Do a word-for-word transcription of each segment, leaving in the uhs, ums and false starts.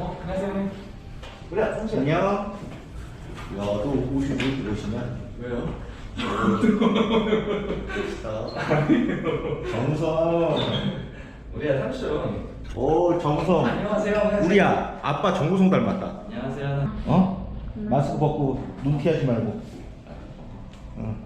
어, 안녕하세요. 그래, 상식 안녕. 야, 너 옷이 왜 이러시냐? 왜요? 정성. 우리야 삼촌. 오, 정성. 안녕하세요. 안녕하세요. 우리야, 아빠 정우성 닮았다. 안녕하세요. 어? 마스크 벗고 눈 피하지 말고. 응.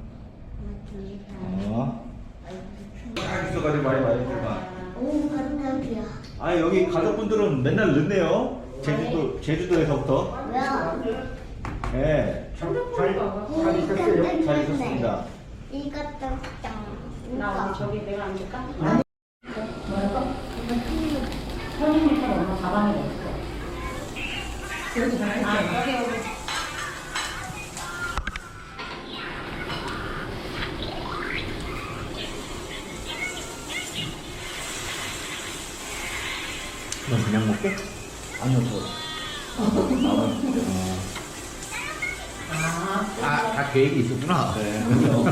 어? 딱 있어가지고 많이 많이 들마. 오, 감사합니다. 아, 여기 가족분들은 맨날 늦네요. 제주도, 제주도에서부터. 왜요? 예. 잘, 잘, 잘 있었어요? 잘 있었습니다. 이것도 짱. 나 어디 저기 내가 앉을까? 뭐랄까? 선생님 편 엄마 가방에 넣었어. 아, 여기 여기. 넌 그냥 먹게? 아니요, 저. 아, 아, 다 계획이 있었구나. 네.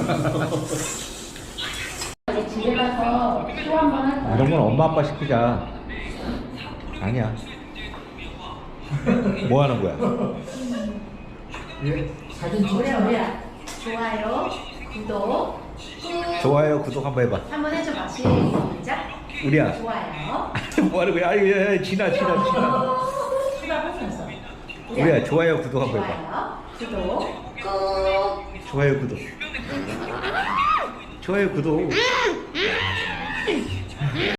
이제 집에 가서 또 한 번 할 거야. 이런 건 엄마 아빠 시키자. 아니야. 뭐 하는 거야? 우리 우리야. 좋아요, 구독, 꾹. 좋아요, 구독 한번 해봐. 한번 해줘봐. 시작. 우리야. 좋아요. 뭐 하는 거야? 아유, 야, 야, 지나, 지나, 지나. 수다 뽑혔어. 우리야, 좋아요, 구독 한번 해봐. 좋아요, 구독, 꾹. 좋아요, 구독. 좋아요, 구독.